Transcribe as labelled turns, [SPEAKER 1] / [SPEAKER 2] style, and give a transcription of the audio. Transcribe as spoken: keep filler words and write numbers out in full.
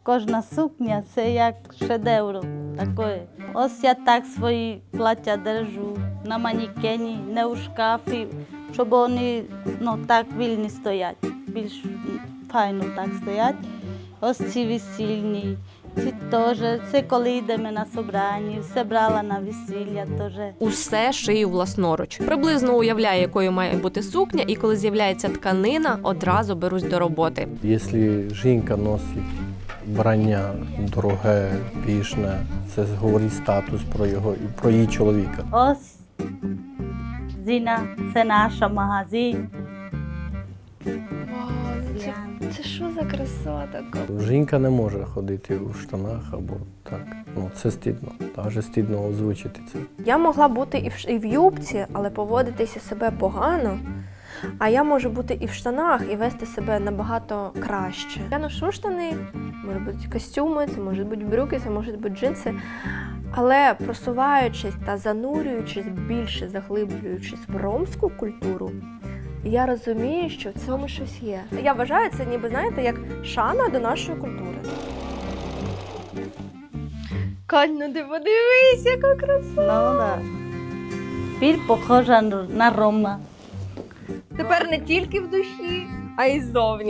[SPEAKER 1] Кожна сукня – це як шедевр. Такої. Ось я так свої плаття держу на манекені, не у шкафі, щоб вони ну, так вільні стоять, більш файно так стоять. Ось ці весільні, ці теж, це коли йдемо на собрання, все брала на весілля теж.
[SPEAKER 2] Усе шию власноруч. Приблизно уявляю, якою має бути сукня, і коли з'являється тканина, одразу берусь до роботи.
[SPEAKER 3] Якщо жінка носить вбрання дороге, пішне, це говорить статус про його і про її чоловіка.
[SPEAKER 1] Ось Зіна, це наш магазин.
[SPEAKER 4] Вау, це, це що за краса така?
[SPEAKER 3] Жінка не може ходити у штанах або так. Ну, це стидно. Навіть стидно озвучити це.
[SPEAKER 4] Я могла бути і в, і в юбці, але поводитися себе погано. А я можу бути і в штанах, і вести себе набагато краще. Я ношу штани, може бути костюми, це можуть бути брюки, це можуть бути джинси. Але просуваючись та занурюючись, більше заглиблюючись в ромську культуру, я розумію, що в цьому щось є. Я вважаю це ніби, знаєте, як шана до нашої культури. Кань, ну ти подивись, яка краса!
[SPEAKER 1] Ну, да. Біль похожа на Рома.
[SPEAKER 4] Тепер не тільки в душі, а й ззовні.